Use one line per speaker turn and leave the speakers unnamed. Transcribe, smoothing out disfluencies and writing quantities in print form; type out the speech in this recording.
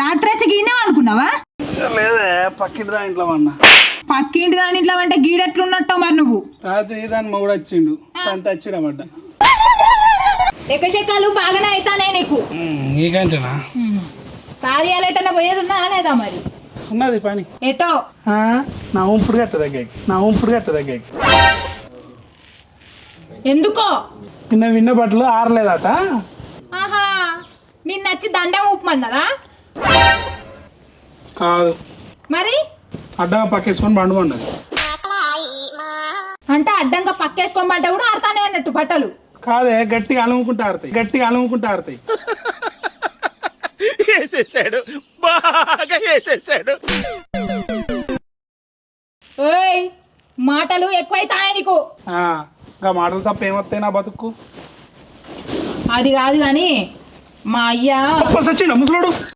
రాత్రి వచ్చి గీనే అనుకున్నావా?
లేదే పక్కింటి దాని ఇంట్లో అన్నా.
పక్కింటి దాని ఇంట్లో అంటే గీడెట్లున్నట్టు మరి నువ్వు.
రాత్రి దాని మొగుడు వచ్చిండు అంత వచ్చిడబడ్డ.
ఎక్కచెక్కలు బాగానే అవుతానే నీకు.
నీకంటేనా
సారీ అలేటన్నా పోయేది ఉన్నా లేదా మరి?
ఉన్నది పని.
ఎటో
నా ఉంపుడు కట్ట దగ్గరికి
ఎందుకో
నిన్న విన్న బట్టలు ఆరలేదట.
ఆహా నిన్న వచ్చి దండం ఊపమన్నదా?
కాదు
మరి
అడ్డంగా పక్కేసుకొని బండు పన్నది.
అంటే అడ్డంగా పక్కేసుకోమంటే కూడా ఆడతానే అన్నట్టు బట్టలు.
కాదే గట్టిగా అలుముకుంటా ఆడతాయి.
వేసేసాడు, బాగా వేసేసాడు.
ఓయ్ మాటలు ఎక్కువైతానే నీకు.
ఇంకా మాటలు తప్ప ఏమొస్తాయి నా బతుకు.
అది కాదు కానీ మా అయ్యా
వచ్చిండు ముసలోడు.